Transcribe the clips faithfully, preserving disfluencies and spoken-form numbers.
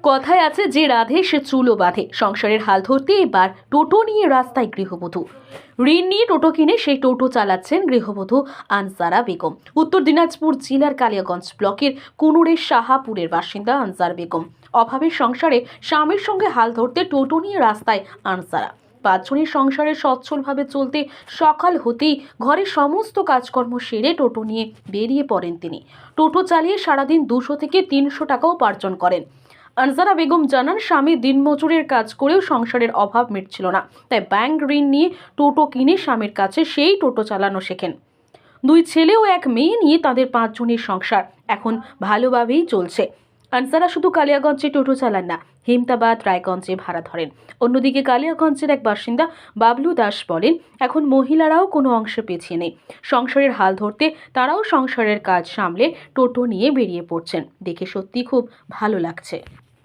কথায় আছে যে রাধে সে চুলো বাঁধে। সংসারের হাল ধরতে এবার টোটো নিয়ে রাস্তায় গৃহবধূ। ঋণ নিয়ে টোটো কিনে সেই টোটো চালাচ্ছেন গৃহবধূ আনসারা বেগম। উত্তর দিনাজপুর জেলার কালিয়াগঞ্জ ব্লকের কুনুরের শাহাপুরের বাসিন্দা আনসার বেগম। অভাবের সংসারে স্বামীর সঙ্গে হাল ধরতে টোটো নিয়ে রাস্তায় আনসারা। পাঁচজনের সংসারে সচ্ছলভাবে চলতে সকাল হতেই ঘরের সমস্ত কাজকর্ম সেরে টোটো নিয়ে বেরিয়ে পড়েন তিনি। টোটো চালিয়ে সারাদিন দুশো থেকে তিনশো টাকা উপার্জন করেন। আনসারা বেগম জানান, স্বামী দিনমজুরের কাজ করেও সংসারের অভাব মিটছিল না, তাই ব্যাংক ঋণ নিয়ে টোটো কিনে স্বামীর কাছে সেই টোটো চালানো শেখেন। দুই ছেলে ও এক মেয়ে নিয়ে তাদের পাঁচজনের সংসার এখন ভালোভাবেই চলছে। আনসারা শুধু কালিয়াগঞ্জে টোটো চালান না, হেমতাবাদ, রায়গঞ্জে ভাড়া ধরেন। অন্যদিকে কালিয়াগঞ্জের এক বাসিন্দা বাবলু দাস বলেন, এখন মহিলারাও কোনো অংশে পিছিয়ে নেই। সংসারের হাল ধরতে তারাও সংসারের কাজ সামলে টোটো নিয়ে বেরিয়ে পড়ছেন। দেখে সত্যি খুব ভালো লাগছে।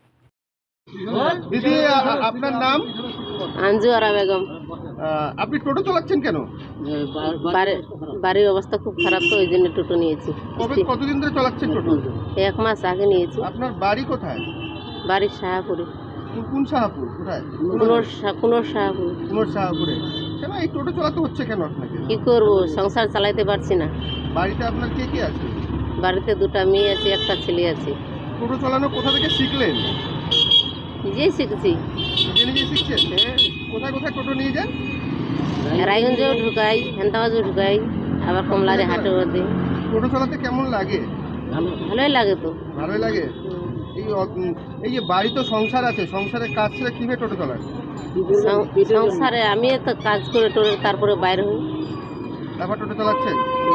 দিদি, আপনার নাম? আনজুয়ারা বেগম। আপনি টোটো চালাচ্ছেন কেন? বাড়ি- বাড়ির অবস্থা খুব খারাপ, তো ওই জন্য টোটো নিয়েছি। কবে কতদিন ধরে চালাচ্ছেন টোটো? এক মাস আগে নিয়েছি। আপনার বাড়ি কোথায়? বাড়ির শাহাপুরে। কোন শাহাপুর? কোথায়? কুনোর শা- কুনোর শাহাপুর। কুনোর শাহাপুরে। কেন এই টোটো চালাতে হচ্ছে কেন আপনাকে? কি করবো, সংসার চালাইতে পারছি না। বাড়িতে আপনার কে কে আছে? বাড়িতে দুটা মেয়ে আছে, একটা ছেলে আছে। টোটো চালানো কোথা থেকে শিখলেন? নিজেই শিখছি। নিজে নিজে শিখছেন? হ্যাঁ, কোথায় কোথায় টোটো নিয়ে যান? রায়গঞ্জেও ঢুকাই, হেন্তাবাজেও ঢুকাই, আবার কমলারে হাটের মধ্যে। টোটো চালাতে কেমন লাগে? ভালোই লাগে তো। ভালোই লাগে। এই অ- উম, এই যে বাড়ি তো সংসার আছে, সংসারের কাজ ছেড়ে কিভাবে টোটো চালান? সং- সংসারে আমি তো কাজ করে টোরে তারপরে বাইরে হই। তারপর টোটো চালাচ্ছেন?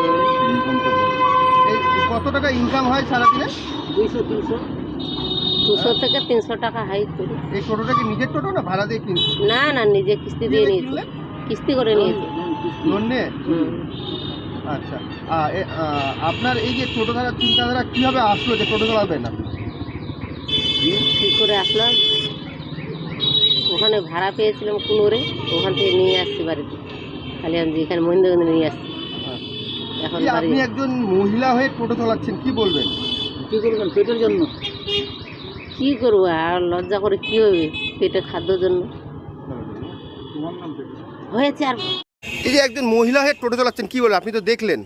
এই কত টাকা ইনকাম হয় সারাদিনে? দুইশো তিনশো দুশো থেকে তিনশো টাকা হাই করি। এই টোটোটা কি নিজের টোটো না ভাড়া দিয়ে কিনছি? না না, নিজে কিস্তি দিয়ে নিয়েছি, কিস্তি করে নিয়েছি। লোন নিয়ে? হুম। আচ্ছা। আ, এ, আ, আপনার এই যে টোটো ধরার চিন্তাধারা কিভাবে আসলো যে টোটো চালাবেন আপনি? কী করে আসলাম, ওখানে ভাড়া পেয়েছিলাম কুনোরে, ওখান থেকে নিয়ে আসছি বাড়িতে। খালি আমি এখানে মহিন্দ্রগঞ্জে নিয়ে আসছি। এখন এই বাড়ি আপনি একজন মহিলা হয়ে টোটো চালাচ্ছেন, কি বলবেন? কী করবেন পেটের জন্য? কী করবো, আর লজ্জা করে কী হবে, পেটের খাদ্যর জন্য হয়েছে। আর এই যে একজন মহিলা হয়ে টোটো চালাচ্ছেন, কি বলবেন? আপনি তো দেখলেন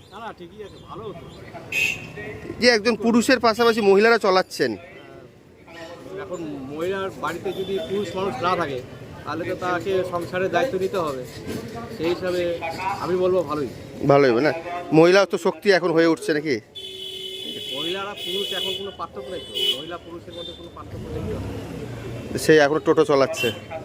যে একজন পুরুষের পাশাপাশি মহিলারা চালাচ্ছেন। এখন মহিলার বাড়িতে যদি পুরুষ মানুষ না থাকে তাহলে তো তাকে সংসারের দায়িত্ব নিতে হবে। সেই হিসাবে আমি বলবো ভালোই ভালো হবে না? মহিলা তো শক্তি এখন হয়ে উঠছে নাকি? মহিলারা পুরুষ এখন কোনো পার্থক্য নেই তো, মহিলা পুরুষের মধ্যে কোনো পার্থক্য নেই তো। সেই এখন টোটো চালাচ্ছে।